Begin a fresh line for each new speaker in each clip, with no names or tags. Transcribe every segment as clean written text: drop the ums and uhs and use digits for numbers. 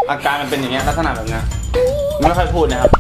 อาการมันเป็นอย่างเงี้ยลักษณะแบบเนี้ยไม่ค่อยพูดนะครับ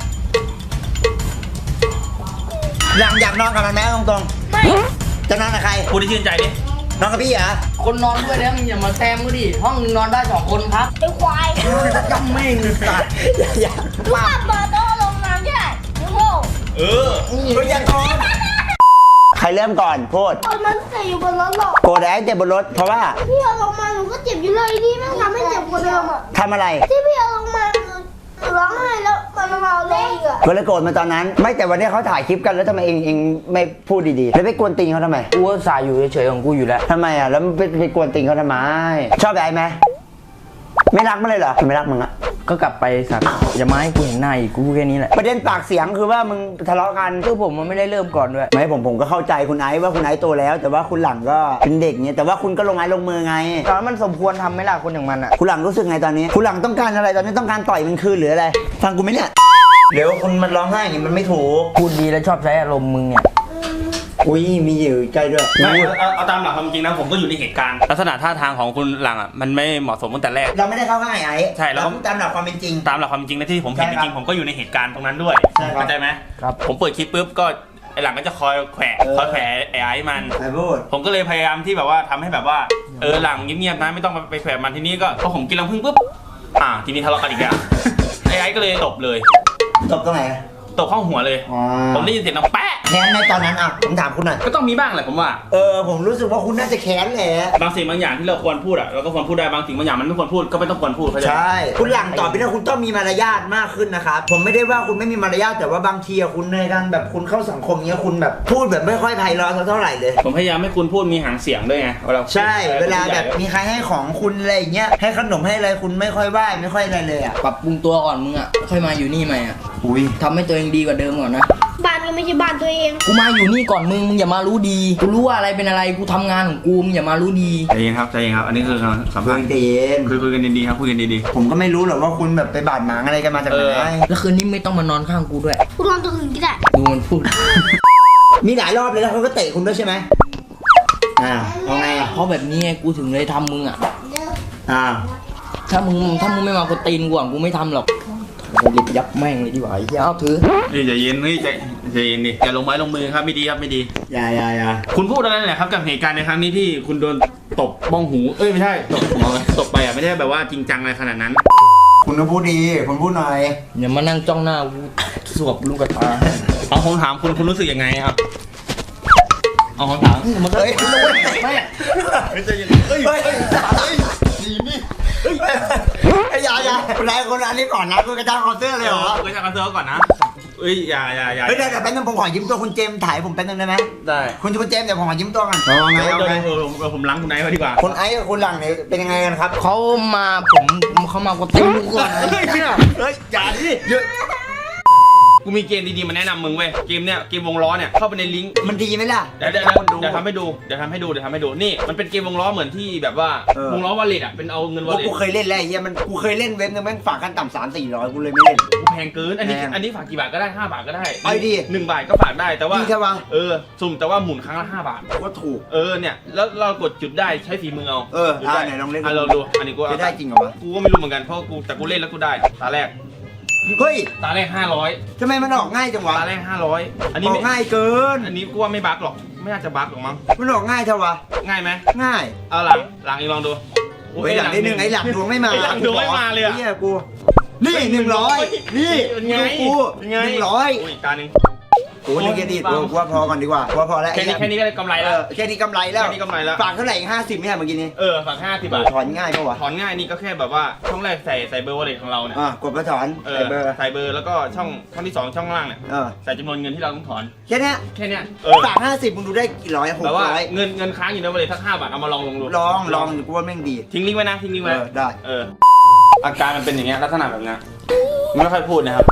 อยากนอนกับมันไหมตรงๆไม่จะนอนกับใคร
พูดที่ชื่นใจดิ
นอนกับพี่เหรอ
คนนอนด้วยแล้วมึงอย่ามาแซมกูดิห้องนึงนอนได้2 คนครับ
ไอ้ควาย
จำไม่งสัตว์อย่า
ลูกกลับมาต้องลงน้ำใช่ไอ้โง่
เออ
ไม่อยากนอนใครเริ่มก่อนพูด
ตอนนั้นเจ็บอยู่บนรถหรอก
โกรธไอ้เจ็บบนรถเพราะว่า
พี่เอาลงมาหนูก็เจ็บอยู่เลยนี่แม่งทำให้เจ็บกว่าเดิมอ่ะ
ทำอะไร
ที่พี่เอาลงมาหนูร้องไห้แล้วมันมาเอาเลยอีกอ่ะ
ก็เลยโกรธมาตอนนั้น ไม่แต่วันนี้เขาถ่ายคลิปกันแล้วทำไมเองไม่พูดดีๆแล้วไปกวนตีนเขาทำไม
กูก็สายอยู่เฉยๆของกูอยู่แล้ว
ทำไมอ่ะแล้วไปกวนตีนเขาทำไมชอบไอ้ไหมไม่รักมันเลยเหรอไม่รักมึงอะ
ก็กลับไปสัตว์อย่ามาให้กูเห็นหน้าอีกกูแค่นี้แหละ
ประเด็นปากเสียงคือว่ามึงทะเลาะกัน
คือผมมันไม่ได้เริ่มก่อนด้วย
ไม่ผมก็เข้าใจคุณไอซ์ว่าคุณไอซ์โตแล้ว แต่ว่าคุณหลังก็เป็นเด็กเนี่ยแต่ว่าคุณก็ลงไม้ลงมือไง
ตอนนั้นมันสมควรทำไหมล่ะคนอย่างมันอ่ะ
คุณหลังรู้สึกไงตอนนี้ คุณหลังต้องการอะไรตอนนี้ต้องการต่อยมันคืนหรืออะไรฟังกูไหมเนี่ยเดี๋ยวคุณมันร้องไห้อย่างนี้มันไม่ถูก
พูดดีแล้วชอบใช้อารมณ์มึงเนี่ย
อุ้ยมีอยู่ใจด้วย
ไม่เอาตามหลักความจริงนะผมก็อยู่ในเหตุการณ์ลักษณะท่าทางของคุณหลังอ่ะมันไม่เหมาะสมตั้งแต่แรก
เราไม่ได้เข้าง่ายไอ้
ใช่แล้ว
เราตามหลักความเป็นจริง
ตามหลักความจริงนะที่ผมเห็น
ใช่
จ
ครับ
ริงๆผมก็อยู่ในเหตุการณ์ตรงนั้นด้วย
ใช่ครับ
เข้าใจไหม
ครับ
ผมเปิดคลิปปุ๊บก็ไอหลังก็จะคอยแขวะไอ้มัน
ไอ้พูด
ผมก็เลยพยายามที่แบบว่าทำให้แบบว่าหลังเงียบๆนะไม่ต้องไปแขวะมันทีนี้ก็พอผมกินรังผึ้งปุ๊บทีนี้ทะเลาะกันอีกแล้ว ไอ้ก็เลยตบเลย
ตบตรงไหน
ตบเข้าหัวเลย
อ๋อ
ผมได้ยินเสียงดังแป๊ะ
แค้นในตอนนั้นอ่ะผมถามคุณหน่อย
ก็ต้องมีบ้างแหละผมว่า
ผมรู้สึกว่าคุณน่าจะแค้นแหละ
บางสิ่งบางอย่างที่เราควรพูดอ่ะเราก็ควรพูดได้บางสิ่งบางอย่างมันไม่ควรพูดก็ไม่ต้องควรพูดเข้าใจไหม
ใช่คุณหลังต่อไปนี้คุณต้องมีมารยาทมากขึ้นนะครับผมไม่ได้ว่าคุณไม่มีมารยาทแต่ว่าบางทีอะคุณในการแบบคุณเข้าสังคมเนี้ยคุณแบบพูดแบบไม่ค่อยไพเราะเท่าไหร่เลย
ผมพยายามให้คุณพูดมีหางเสียงด้วยไงเวลา
ใช่เวลาแบบมีใครให้ของคุณอะไรอย่างเงี้ยให้ขนมให้อะไรคุณไม่ค่อยไหว้ไม่ค่อยอะไรเลยอ่ะ
ปรับปรุงตัวก่อนมึงอ่ะค่อยมาอยู่นี่ใหม่อ่ะ
อุ้ย
ทำให้ตัวเองดีกว่าเดิมก่อนนะ
บ้านก็ไม่ใช่บ้านตัวเอง
กูมาอยู่นี่ก่อนมึงอย่ามารู้ดีกูรู้ว่าอะไรเป็นอะไรกูทำงานของกูมึงอย่ามารู้ดี
ใจเย็นครับใจเย็นครับอันนี้คือสัม
เพื่
ภา
อ
ษ
น
ณ์
เย็น
คุยกันดีๆครับคุยกันดี
ผมก็ไม่รู้หรอกว่าคุณแบบไปบาดหมางอะไรกันมาจากไหน
แล้วคืนนี้ไม่ต้องมานอนข้างกูด้วย
กูนอนตัวอื่นก็ได้
ดูมันพูด
มีหลายรอบเลยแล้วเขาก็เตะคุณด้วยใช่ไหมเอาไงอ่ะ
เพราะแบบนี้ไงกูถึงเลยทำมึงอ่ะ
อ่า
ถ้ามึงไม่มากดตีนกูอ่ะกูไม่ทำหรอกกูรีบยับแม่งเลยดีกว่าไอ้เหี้ยเอาถือ
ๆนี่ใจเย็นนี่ใจเย็นดิอย่าลงไม้ลงมือครับไม่ดีครับไม่ดี
อย่า
คุณพูดอะไรเนี่ยครับกับเหตุการณ์ในครั้งนี้ที่คุณโดนตบบ้องหูไม่ใช่ตบหัวตบไปอ่ะไม่ได้แบบว่าจริงจังอะไรขนาดนั้น
คุณต้องพูดดีคุณพูดหน่อย
อย่ามานั่งจ้องหน้ากูสวบลูกกระตา
เอาผมถามคุณรู้สึกยังไงครับเอาผมถาม
มันก็
เฮ้ย
ไม่
ไม่ใจเย็นเฮ้ย
เฮ้ยดีนี่ไอ้ยาคุณนายคนอันนี้ก่อนนะคุณกระจ้างคอนเสิร์ตเลยเหรอ
ก็จะกันเซิร์ฟก่อนนะเอ้ยอย่า
เฮ้ยเดี๋ยวแป๊บนึงผมขอยิ้มตัวคุณเจมส์ถ่ายผมแป๊บนึงได้ไหม
ได้
คุณเจมส์เดี๋ยวผมขอยิ้มตัวกันเอาไง
เดี๋ยว
เอาไง
ผมล้างคุณไนท์มาดีกว่า
คุณไอ้กับคุณหลังเนี่ยเป็นยังไงกันครับ
เขามาเขามากดตีนกูก่อน
เฮ้ยอย่าดิกูมีเกมดีๆมาแนะนำมึงเว้ยเกมเนี้ยเกมวงล้อเนี่ยเข้าไปในลิงก์
มันดีไหมล่ะ
เดี๋ยวทำให้ดูนี่มันเป็นเกมวงล้อเหมือนที่แบบว่าวงล้อวอลเล็ตอ่ะเป็นเอาเงินวอลเล็ต
กูเคยเล่นแล้วไอ้เหี้ยมันกูเคยเล่นเว็บนึงแม่งฝากกันต่ำ300-400กูเลยไม่เล่น
แพงเกินอันนี้ฝากกี่บาทก็ได้5 บาทก็ได้
เอาดิ
1 บาทก็ฝากได้แต่ว่า
ดีใช่ปะ
สุ่มแต่ว่าหมุนครั้งละ5 บาท
ก็ถูก
เนี่ยแล้วเรากดจุดได้ใช้ฝีมือเอา จุดได้
ไหนลองเล่น
เราดูอันนี้กู
จะได้จริงเหรอวะ
กูก็ไม่รู้เหมือนกันเพราะแต่กูเล่นแล้วกูได้ตาแรก
เฮ้ย
ตาแรก500
ทำไมมันออกง่ายจังวะ
ตาแรก500อัน
อ
นี้
อก
ไม่
ง่ายเกิน
อันนี้กูว่าไม่บั๊กหรอกไม่น่าจะบั๊กหรอกมั้ง
มันออกง่ายเท่าวะ
ง่ายไหม
ง่าย
เอาหลังอีกลองดู
โอ้ยหลังได้หนึ่งไอ้หลังดวงไม่มา
ไอ้หลังดวงไม่มาเลยอะ
นี่กูนี่100นี่
เป็นไง
ดูกู
เป็นไง
100
อุ้ยตาหนึ่ง
กูนึกแค่นี้กูว่าพอก่อนดีกว่าพอแล้ว
แค่นี้ก็ได้กำไรแล้ว
แค่นี้กำไรแล้ว
แค่นี้กำไรแล้ว
ฝากเท่าไหร่อีก50ไม่ใช่เมื่อกี้นี้
ฝาก50 บาท
ถอนง่ายปะวะ
ถอนง่ายนี่ก็แค่แบบว่าช่องแรกใส่เบอร์วอลเล็ตของเราเนี่ย
กดมาถอนใส่เบอร์
ใส่เบอร์แล้วก็ช่องที่2ช่องล่างเนี่ย ใส่จำนวนเงินที่เราต้องถอน
แค่เนี้ย
แค่เนี้ย
ฝาก50มึงดูได้กี่ร้อย
แบบว่า
600
เงินค้างอยู่ในวอลเล็ตสัก5 บาทเอามาลองดู
ลองกูว่าแม่งดี
ทิ้งลิงก์ไว้นะทิ้งลิงก์ไว้
ได้
อาการมันเป็นอย่างเงี้ยลักษณะแบบเนี้ยไม่ค่อยพูดนะครับ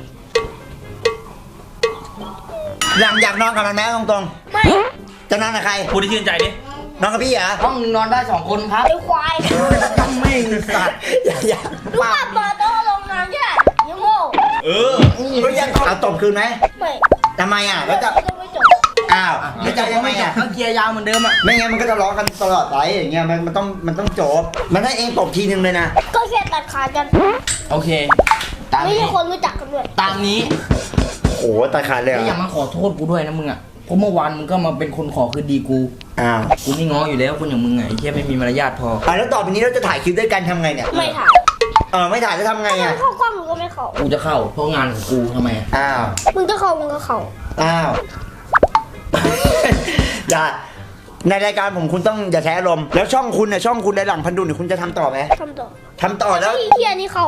อยากนอนกับมันไหมตรง
ไม่
ๆจะนอนกับใคร
พูดที่ชื่นใจดิ
นอนกับพี่เหรอ
ห้องนึงนอนได้2 คนครับ
ไอ้ควาย
จำไม่งสัตว์อย่า
ลูกกลับมาต้องลงน้ำใช่ไอ้โง่
เออ
เอาตบคืนไหม
ไม่
ทำไมอ่ะแล้วจะ
ต้องไปจบ
อ้าวไม่ใจยังไงอ่ะ
ก็เกียร์ยาวเหมือนเดิมอ่ะ
ไม่งั้นมันก็จะร้องกันตลอดไปอย่างเงี้ยมันต้องจบมันให้เองตบทีนึงเลยนะ
ก็แค่ตัดขาดกัน
โอเค ตาม
ไม่
นี้
ใช่คนรู้จักกันด้วย
ตามนี้
โอ้ตาขาดเลย
แล้วอย่ามาขอโทษกูด้วยนะมึงอ่ะเพราะเมื่อวานมึงก็มาเป็นคนขอคืนดีกู
อ้าว
กูไม่ง้ออยู่แล้วคนอย่างมึงไงไอ้เหี้ยไม่มีมารยาทพอ
แล้วต่อไปนี้เราจะถ่ายคลิปด้วยกันทำไงเนี่ย
ไม่ถ่าย
ไม่ถ่ายแล้วทำไง
ถ้า
อ่ะ
มันเข้ากล้องมึงก็ไม่เข้า
กูจะเข้าเพราะงานของกูทำไมอะ
อ้าว
มึงจะเข้ามึงก็เข้า
อ้าว อย่าในรายการผมคุณต้องอย่าแท้ลมณ์แล้วช่องคุณเนี่ยช่องคุณในหลังพันดุลเนี่ยคุณจะทำต่อไหม
ทำต่อ
ทำต่อแล้ว
ไอ้เฮียนี่เข้า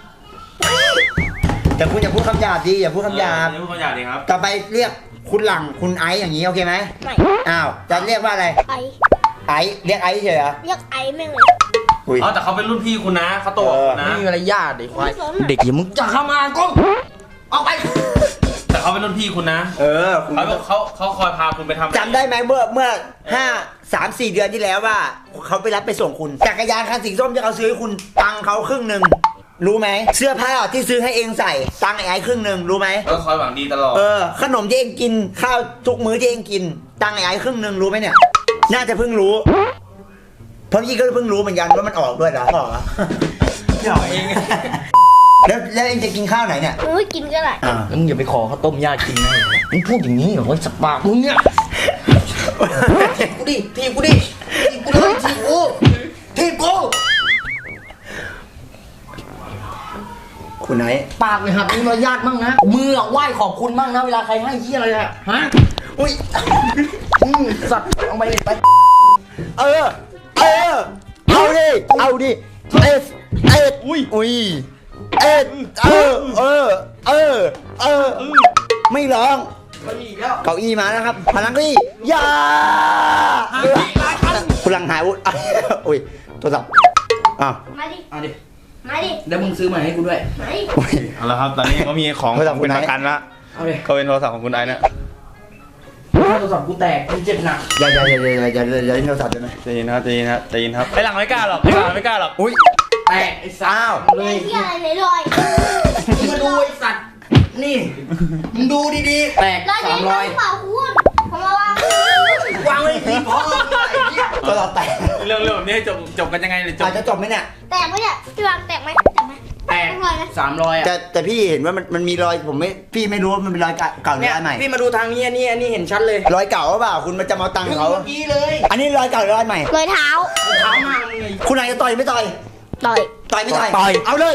แต่คุณอย่าพูดคำหยาบดิอย่าพูดคำหยาบ
นี่พูดคำหยาบดีครับ
ต่อไปเรียกคุณหลังคุณไอซ์อย่างนี้โอเคไหม
ไม่
อ้าวจะเรียกว่าอะไร
ไอ
ไอซ์เรียกไอซ์เฉยเหรอ
เรียกไอแม่งเลย
อุ้ย
อ๋อแต่เขาเป็นรุ่นพี่คุณนะเขาโตกว่าคุณนะ
ไม่มีมารยาทไอ้ควาย
ไม่สนอะ
เด็กอย่ามึงจะเข้ามากูออกไป
แต่เขาเป็นรุ่นพี่คุณนะ
คุณ
เขาคอยพาคุณไปทำ
จำได้ไหมเมื่อ3-4 เดือนที่แล้วว่าเขาไปรับไปส่งคุณจักรยานคันสีส้มที่เขาซื้อให้คุณตังค์เขาครึ่งหนึ่งรู้ไหมเสื้อผ้าที่ซื้อให้เองใส่ตังค์ไอ้ครึ่งหนึ่งรู้ไหม
ก็คอยหวังดีตลอด
ขนมที่เองกินข้าวทุกมื้อที่เองกินตังค์ไอ้ครึ่งหนึ่งรู้ไหมเนี่ย น่าจะเพิ่งรู้ เพราะพี่ก็เพิ่งรู้เหมือนกันว่ามันออกด้วยนะออกอะเองแล้วเองจะกินข้าวไหนเนี่ย
มึงไม่กินก็ได้
แล้วมึงอย่าไปขอข้าวต้มญาติกินนะมึงพูดอย่างนี้เหรอไอ้สับปากมึงเนี่ยกูดิทีบกูดิทีบกูเลยทีบกูทีบกู
คุณไหน
ปากเลยครับมีมารยาทมั่งนะมืออะไหว้ขอบคุณมั่งนะเวลาใครให้เหี้ยอะไรอะฮะ
อุ้ย
สัตว์เอาไปไป
เอาดิอุ้ยไม่ร้อง
มาอีกแล้ว
เก้าอี้มาแล้วครับพลังเก้าอี้ยาคุณลังหายวุ้ยอุ้ยโทรศัพท์อ้าว
มาดิ
เอาดิ
มาดิ
แล้วมึงซื้อมาให้กูด้วย
มาดิ
อุ้ย
เอาละครับตอนนี้ก็มีของ
โทรศัพท์คุ
เป็
ณ
น
ไอซ์
ประกันละ
เอาดิ
ก็เป็นโทรศัพท์ของคุณไอซ์นะ
ถ้าโทรศัพท์กูแตกกูเจ็บหนัก
อย่าเล่นโทรศัพท์ได้ไหม
ใจเย็นครับใจเย็นครับใจเย็นครับไอ้หลังไม่กล้าหรอกไอ้หลังไม่กล้าหรอก
อุ้ย
แตกไอ้สัตว์
อ้าว
เล
ไอ้
ย
เฮียอะไรไหนลอย
มึงมาดูไอ้สัตว์นี่มึงดูดีๆแตก
ลอยไหนลอยเปล่าคุณผมมาวาง
วางไว้ที่พ่อมึงไอ้เหี้ย
โทรศัพท์แตก
เรื่องแบบนี้ให้จบกันยังไงเลยจบ
อาจจะจบไหมเนี่ย
แตกไหมเนี่ยพี่วางแตกไหมแตกไหม
แตก
ลอยไหม
300อ่ะ
แต่พี่เห็นว่ามันมีรอยผมไม่พี่ไม่รู้ว่ามันเป็นรอยเก่าหรือ
เนี่ย
รอยใหม่
พี่มาดูทางนี้อันนี้เห็นชัดเลย
รอยเก่าหรือเปล่าคุณมันจะมาเอาตังค์เขา
เมื่อกี้เลย
อันนี้รอยเก่าหรือรอยใหม่
รอยเท้า
เท้ามากมึงไง
คุณนายจะต่อยไม่ต่อย
ต่อย
ต่อยไม่ต่อยเอาเลย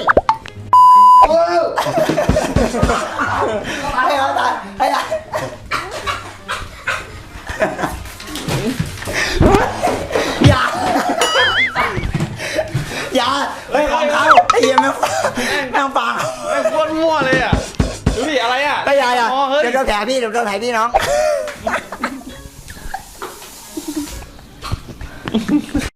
ให้เขาต่อยให้เขาอย่าเฮ้ยของเขาไอ้เหี้ยแม่งฟัง
ไอ้โคตรมั่วเลยอ่ะดูดิอะไรอ่ะ
ไอ้ยายอ่ะ
อ๋อเฮ้ย
เดี๋ยวเราแผลพี่น้อง